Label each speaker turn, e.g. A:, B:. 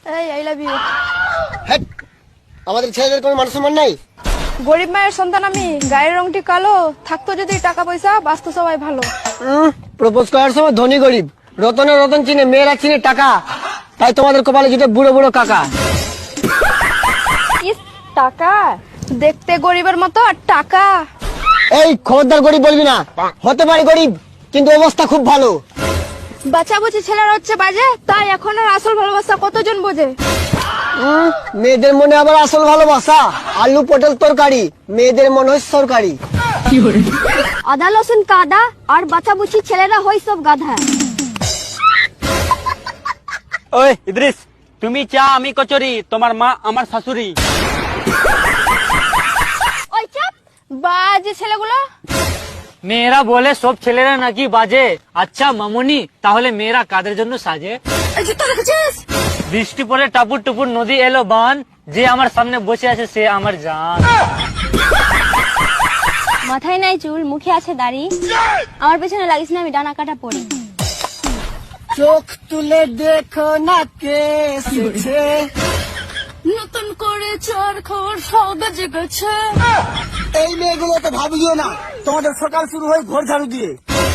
A: এই I love you.
B: Hat, আমাদের ছেলেদের কোনো মান সম্মান নাই।
A: গরিব মায়ের সন্তান আমি, গায়ের রংটি কালো, থাকতো যদি টাকা পয়সা, বাঁচতো সবাই ভালো।
B: প্রপোজ করার সময় ধনী গরিব, রতনে রতন চিনে, মেয়েরা চিনে টাকা, তাই তোমাদের কপালে জুটে বুড়ো বুড়ো কাকা।
A: ইস, টাকা দেখতে গরিবের মতো, আর টাকা।
B: এই খবরদার গরিব বলবি না, হতে পারি গরিব কিন্তু অবস্থা খুব ভালো।
A: বাচ্চাবুচি ছেলেরা হচ্ছে বাজে, তাই এখন আর আসল ভালোবাসা কতজন বোঝে।
B: মেয়েদের মনে আবার আসল ভালোবাসা, আলু পটল তরকারি, মেয়েদের মনে হয় সরকারি।
A: আদা লসুন কাদা, আর বাচ্চাবুচি ছেলেরা হয় সব গাধা।
C: ওই ইদ্রিস, তুমি চা আমি কচুরি, তোমার মা আমার শাশুড়ি।
A: ওই চাপ, বাজে ছেলেগুলো।
C: মেয়েরা বলে সব ছেলেরা নাকি বাজে। আচ্ছা মামুনি, তাহলে মেয়েরা কাদের জন্য সাজে?
A: এই জুতো রেখেছিস?
C: বৃষ্টি পরে টাপুর টুপুর নদী এলো বান, যে আমার সামনে বসে আছে সে আমার জান।
A: মাথায় নাই চুল, মুখে আছে দাড়ি, আমার পেছনে লাগিস না, আমি ডানা কাটা পড়ি।
B: চোখ তুলে দেখো না কে এসেছে,
A: নতুন করে চোর খবর সৌদা জেগেছে।
B: এই মেয়েগুলো তো ভাবিও না, তোমাদের সকাল শুরু হয় ঘর ঝাড়ু দিয়ে।